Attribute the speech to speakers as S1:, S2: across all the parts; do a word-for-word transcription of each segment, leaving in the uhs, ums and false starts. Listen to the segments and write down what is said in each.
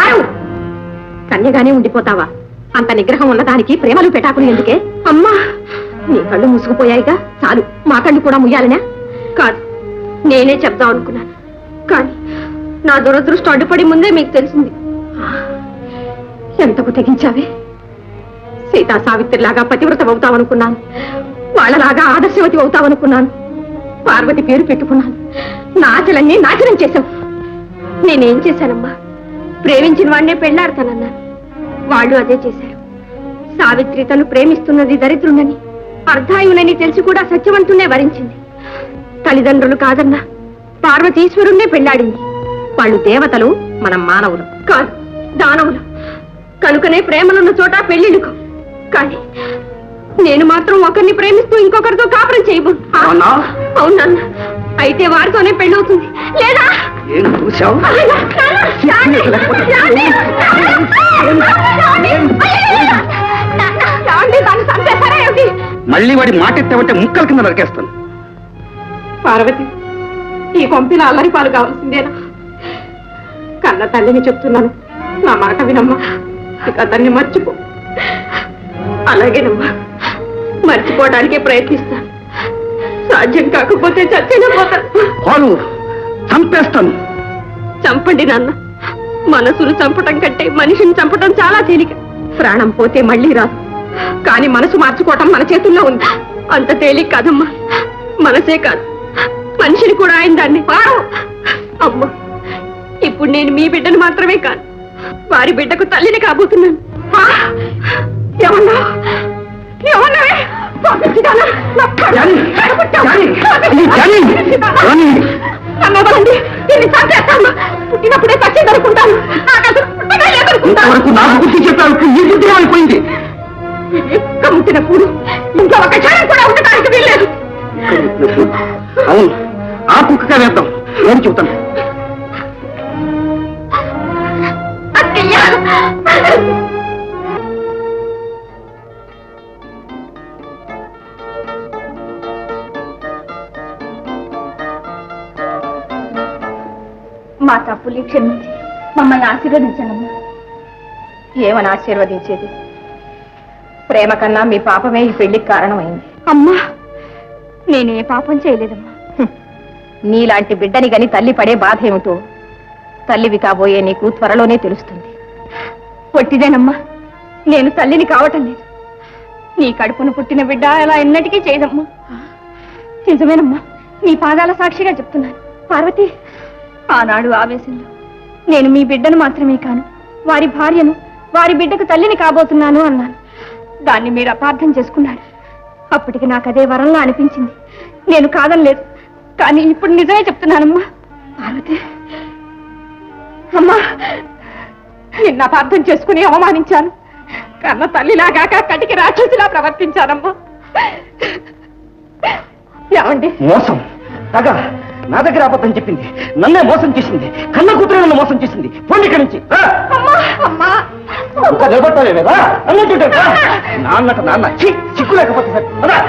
S1: కన్యగానే ఉండిపోతావా? అంత నిగ్రహం ఉన్నదానికి ప్రేమలు పెటాకులు ఎందుకే? అమ్మా, నీ కళ్ళు మూసుకుపోయాయిగా, చాలు. మా కళ్ళు కూడా ముయ్యాలనా? కాదు, నేనే చెప్దాం అనుకున్నాను, కానీ నా దురదృష్టం అడ్డుపడి ముందే మీకు తెలిసింది. ఎంతకు తెగించావే? సీతా సావిత్రిలాగా పతివ్రత అవుతావనుకున్నాను, వాళ్ళలాగా ఆదర్శవతి అవుతావనుకున్నాను. పార్వతి పేరు పెట్టుకున్నాను, నా ఆశలన్నీ నాశనం చేశావు. నేనేం చేశానమ్మా? ప్రేమించిన వాడినే పెళ్లాడతానన్నాను, వాళ్ళు అదే చేశారు. సావిత్రి తను ప్రేమిస్తున్నది దరిద్రునని, అర్ధాయునని తెలిసి కూడా సత్యవంతునే వరించింది. తల్లిదండ్రులు కాదన్నా పార్వతీశ్వరుణ్ణే పెళ్లాడింది. వాళ్ళు దేవతలు, మనం మానవులు. కాదు, దానవులు. కనుకనే ప్రేమలున్న చోట పెళ్లిళ్ళుకో. కానీ నేను మాత్రం ఒకరిని ప్రేమిస్తూ ఇంకొకరితో కాపురం చేయబో. అవునా? అయితే వారితోనే పెళ్ళవుతుంది. లేదా
S2: మళ్ళీ వాడి మాట ఎత్తావంటే ముక్కల కింద నరికేస్తాను.
S1: పార్వతి, ఈ పంపిన అల్లరి పాలు కావాల్సిందేనా? కన్న తల్లిని చెప్తున్నాను, నా మాట వినమ్మా. ఇక అతన్ని మర్చిపో. అలాగేనమ్మా, మర్చిపోవడానికే ప్రయత్నిస్తాను. సాధ్యం కాకపోతే చచ్చిన పోతాను.
S2: చంపేస్తాను.
S1: చంపండి నాన్న. మనసును చంపటం కంటే మనిషిని చంపటం చాలా తేలిక. ప్రాణం పోతే మళ్ళీ రాదు, కానీ మనసు మార్చుకోవటం మన చేతుల్లో ఉంది. అంత తేలిక కాదమ్మా. మనసే కాదు, మనిషిని కూడా ఆయన దాన్ని. అమ్మా, ఇప్పుడు నేను మీ బిడ్డను మాత్రమే కాదు, వారి బిడ్డకు తల్లిని కాబోతున్నాను. ఏమన్నా ఏమన్నావే? పుట్టినప్పుడే చచ్చి దొరుకుంటాను.
S2: అయిపోయింది.
S1: కమ్ముతున్నప్పుడు ఇంకా ఒక క్షణం కూడా ఉండటానికి వీల్లేదు.
S2: అవును, ఆ కుక్కగా వేద్దాం. నేను చెబుతాను.
S1: మా తప్పులు క్షమించి మమ్మల్ని ఆశీర్వదించండి. ఏమని ఆశీర్వదించేది? ప్రేమ కన్నా మీ పాపమే ఈ పెళ్లికి కారణమైంది. అమ్మా, నేనే పాపం చేయలేదమ్మా. నీలాంటి బిడ్డని గని తల్లి పడే బాధ ఏమిటో తల్లివి కాబోయే నీకు త్వరలోనే తెలుస్తుంది. పొట్టిదేనమ్మా, నేను తల్లిని కావటం లేదు. నీ కడుపును పుట్టిన బిడ్డ అలా ఎన్నటికీ చేయదమ్మా. నిజమేనమ్మా, నీ పాదాల సాక్షిగా చెప్తున్నాను. పార్వతి, ఆనాడు ఆవేశంలో నేను మీ బిడ్డను మాత్రమే కాను, వారి భార్యను, వారి బిడ్డకు తల్లిని కాబోతున్నాను అన్నాను. దాన్ని మీరు అపార్థం చేసుకున్నారు. అప్పటికి నాకు అదే వరంలా అనిపించింది. నేను కాదనలేదు, కానీ ఇప్పుడు నిజమే చెప్తున్నానమ్మా. పార్వతి అమ్మా, నిన్న అపార్థం చేసుకుని అవమానించాను. కన్న తల్లిలాగాక కటికి రాక్షసిలా ప్రవర్తించానమ్మా. ఏమండి?
S2: మోసం, తగ నా దగ్గర అబద్ధం చెప్పింది, నన్నే మోసం చేసింది. కన్న కూతురు నన్ను మోసం చేసింది. పోండి ఇక్కడి నుంచి. ఇంకా నిలబడతావే కదా అన్నట్టుంటే నాన్నట నాన్న చిక్కు లేకపోతే సార్.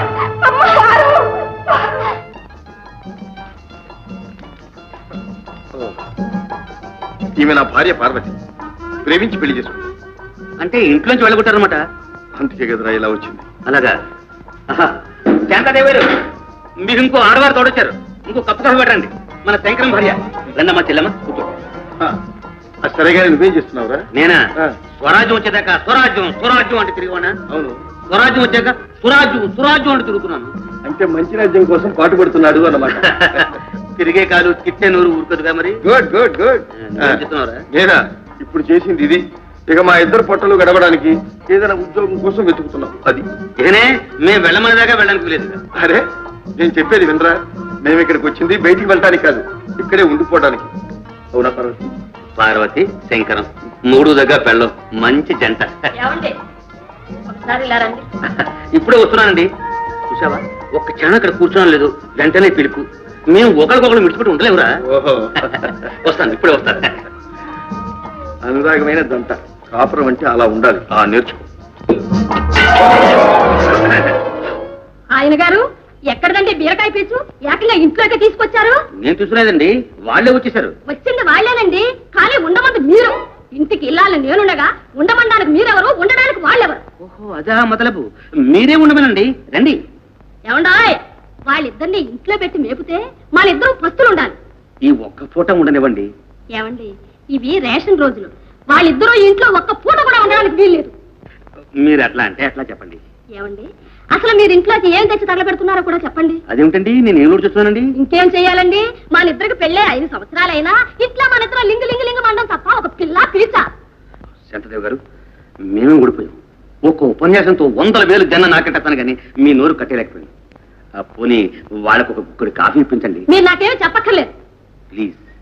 S3: ఈమె నా భార్య పార్వతి, ప్రేమించి పెళ్లి చేసుకుంది.
S2: అంటే ఇంట్లోంచి వెళ్ళగొట్టారనమాట.
S3: అందుకే కదరా ఇలా వచ్చింది.
S2: అలాగా? శాంతాదేవారు, మీరు ఇంకో ఆడవారు తోడొచ్చారు. ఇంకో కప్పు కాఫీ పెట్టండి. మన శంకరం భార్య. రండమ్మా చెల్లమ్మ, కూర్చో.
S3: సరేగా నువ్వేం చేస్తున్నావురా?
S2: నేనా? స్వరాజ్యం వచ్చేదాకా స్వరాజ్యం స్వరాజ్యం అంటే తిరిగివానా?
S3: అవును.
S2: స్వరాజ్యం వచ్చాక సురాజ్యం సురాజ్యం అంటే తిరుగుతున్నాను.
S3: అంటే మంచి రాజ్యం కోసం పాటుపడుతున్నాడు అన్నమాట.
S2: తిరిగే కాలు కిట్టే నూరు ఊరుకదుగా మరి.
S3: Good good good.
S2: చెప్తున్నారా?
S3: నేనా ఇప్పుడు చేసింది ఇది. ఇక మా ఇద్దరు పొట్టలు గడవడానికి ఏదైనా ఉద్యోగం కోసం వెతుకుతున్నాం. అది
S2: ఇకనే మేము వెళ్ళమని దాకా వెళ్ళడానికి లేదు.
S3: అరే, నేను చెప్పేది వినరా? మేము ఇక్కడికి వచ్చింది బయటికి వెళ్ళటానికి కాదు, ఇక్కడే ఉండిపోవడానికి. అవునా పార్వతి?
S2: పార్వతి శంకరం మూడు దగ్గర పెళ్ళం మంచి జంట. ఇప్పుడే వస్తున్నానండి. చూసావా, ఒక్క క్షణం అక్కడ కూర్చోడం లేదు, వెంటనే పిలుపు. మేము ఒకరికొకరు మిడిచిపెట్టి ఉండలేవురా.
S3: ఓహో,
S2: వస్తాను, ఇప్పుడే వస్తాను.
S3: అనురాగమైన దంట. కాపురం అంటే అలా ఉండాలి. ఆ నేర్చుకో.
S1: ఆయన గారు ఎక్కడదండి బీరకాయ పీచు? ఏకంగా ఇంట్లోకి తీసుకొచ్చారు?
S2: నేను తీసుకునేదండి, వాళ్ళే వచ్చేసారు.
S1: వచ్చింది వాళ్ళేనండి, కానీ ఉండమంది మీరు. ఇంటికి ఉండాలని నేనుండగా ఉండమనడానికి మీరెవరు, ఉండడానికి వాళ్ళెవరు?
S2: ఓహో అదా మొదలపు, మీరే ఉండమనండి, రండి.
S1: ఏమండాయ్, వాళ్ళిద్దరిని ఇంట్లో పెట్టి మేపితే వాళ్ళిద్దరూ పస్తులు ఉండాలి.
S2: ఈ ఒక్క పూట ఉండనివ్వండి.
S1: ఏమండి, ఇవి రేషన్ రోజులు, వాళ్ళిద్దరూ ఇంట్లో ఒక్క పూట కూడా ఉండడానికి వీల్లేదు.
S2: మీరు అట్లా అంటే అట్లా చెప్పండి.
S1: ఏమండి, అసలు మీరు ఇంట్లోకి ఏం తెచ్చి తగలబెడుతున్నారో కూడా చెప్పండి.
S2: అదేమిటండి, నేను ఏం చూస్తున్నానండి?
S1: ఇంకేం చెయ్యాలండి, మన ఇద్దరికి పెళ్ళే ఐదు సంవత్సరాలైనా ఇట్లా మన ఇద్దరు లింగు లింగు లింగు మండం తప్ప ఒక పిల్ల పిలిచా.
S2: శంతదేవ్ గారు, మేమే ఊడిపోయాం. ఒక్క ఉపన్యాసంతో వందల వేలు జన్న నాకెట్టాను కానీ మీ నోరు కట్టేలేకపోయింది. పోనీ వాళ్ళకు ఒక గుక్కడి కాఫీ ఇప్పించండి.
S1: మీరు నాకేమీ చెప్పక్కర్లేదు.
S2: ప్లీజ్.